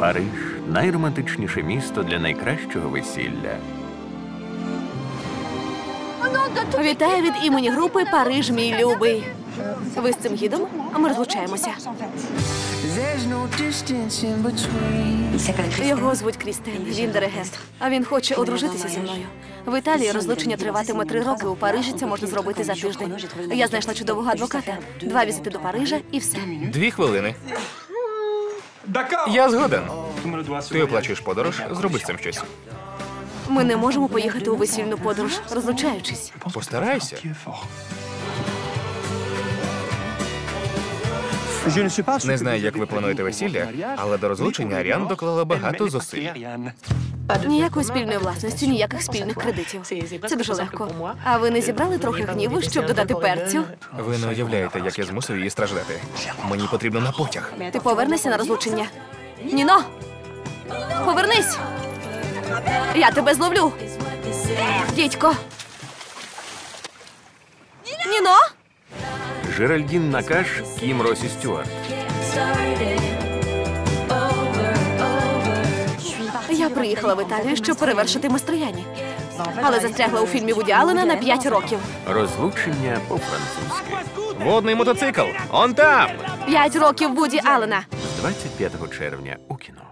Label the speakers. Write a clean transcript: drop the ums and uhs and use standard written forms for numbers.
Speaker 1: Париж – найромантичніше місто для найкращого весілля.
Speaker 2: Вітаю від імені групи «Париж, мій любий». Ви з цим гідом? Ми розлучаємося. Його звуть Крістен, він диригент. А він хоче одружитися зі мною. В Італії розлучення триватиме 3 роки, у Парижі це можна зробити за тиждень. Я знайшла чудового адвоката. 2 візити до Парижа і все.
Speaker 3: 2 хвилини. Я згоден. Ти оплачуєш подорож, зроби з цим щось.
Speaker 2: Ми не можемо поїхати у весільну подорож, розлучаючись.
Speaker 3: Постарайся. Не знаю, як ви плануєте весілля, але до розлучення Аріан доклала багато зусиль.
Speaker 2: Ніякої спільної власності, ніяких спільних кредитів. Це дуже легко. А ви не зібрали трохи гніву, щоб додати перцю?
Speaker 3: Ви не уявляєте, як я змусив її страждати. Мені потрібно на потяг.
Speaker 2: Ти повернешся на розлучення? Ніно! Повернись! Я тебе зловлю! Дідько! Ніно!
Speaker 1: Жеральдін Накаш, Кім Росі Стюарт.
Speaker 2: Я приїхала в Італію, щоб перевершити Мастрояні. Але застрягла у фільмі Вуді Аллена на 5 років.
Speaker 1: Розлучення по-французьки.
Speaker 3: Водний мотоцикл! Он там!
Speaker 2: 5 років Вуді Аллена.
Speaker 1: З 25 червня у кіно.